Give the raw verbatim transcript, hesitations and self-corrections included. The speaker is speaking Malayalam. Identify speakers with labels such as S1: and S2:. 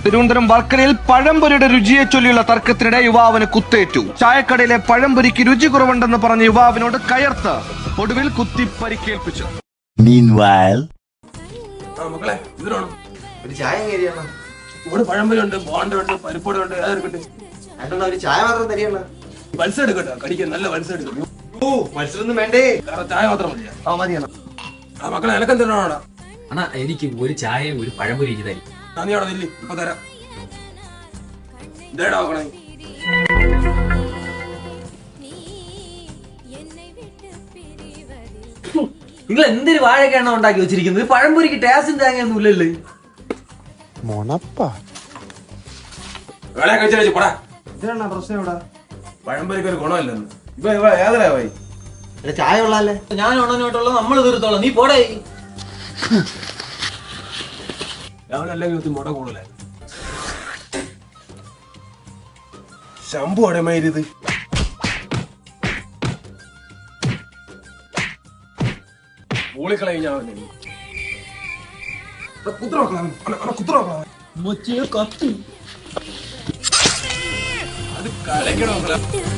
S1: തിരുവനന്തപുരം വർക്കലയിൽ പഴംപൊരിയുടെ രുചിയെ ചൊല്ലിയുള്ള തർക്കത്തിനിടെ യുവാവിന് കുത്തേറ്റു. ചായക്കടയിലെ പഴംപൊരിക്ക് രുചി കുറവുണ്ടെന്ന് പറഞ്ഞ യുവാവിനോട് കയർത്ത് ഒടുവിൽ കുത്തി പരിക്കേൽപ്പിച്ചു.
S2: പഴംപൊരി ഉണ്ട്, ബോണ്ട ഉണ്ട്, പരിപ്പോട് ഉണ്ട്, അതെടുക്കട്ടെ.
S3: ചായ മാത്രം തരികയാണ്.
S2: മത്സ്യം എടുക്കട്ടെ, കടിക്കാൻ നല്ല മത്സ്യം എടുക്കും.
S3: മത്സരമൊന്നും വേണ്ടേ,
S2: ചായ മാത്രം മതിയാ?
S3: ആ മതിയാണ്.
S2: ആ മക്കളെ എനക്കം തരണോടാ.
S4: അണ്ണാ എനിക്ക് ഒരു ചായ ഒരു പഴംപൊരി തരും.
S2: നീ അവിടെ നില്ല്, ഇപ്പൊ തരാം. ഇതേടാ നോക്കണേ.
S4: നിങ്ങൾ എന്തൊരു വാഴക്കാണോ ഉണ്ടാക്കി വെച്ചിരിക്കുന്നത്? പഴംപൊരിക്ക് ടേസ്റ്റും തേങ്ങയൊന്നും ഇല്ലല്ലേ?
S2: വേളെ കഴിച്ചു പോടാ.
S3: ഇതാണ് പ്രശ്നം. ഇവിടെ
S2: പഴംപൊരിക്ക് ഒരു ഗുണമില്ലെന്ന് ഇപ്പൊ ഇവിടെ ഏതരാ പോയി.
S3: ചായ ഉള്ളല്ലേ?
S4: ഞാൻ ഉണനോട്ടുള്ള നമ്മൾ തീർത്തോളാം, നീ പോടേ.
S2: രാവിലെ മുട കൂടുതലായി. ശമ്പു അടമയിരുത്. പൂളിക്കളഞ്ഞ കുത്ര അത് കലക്കണോ?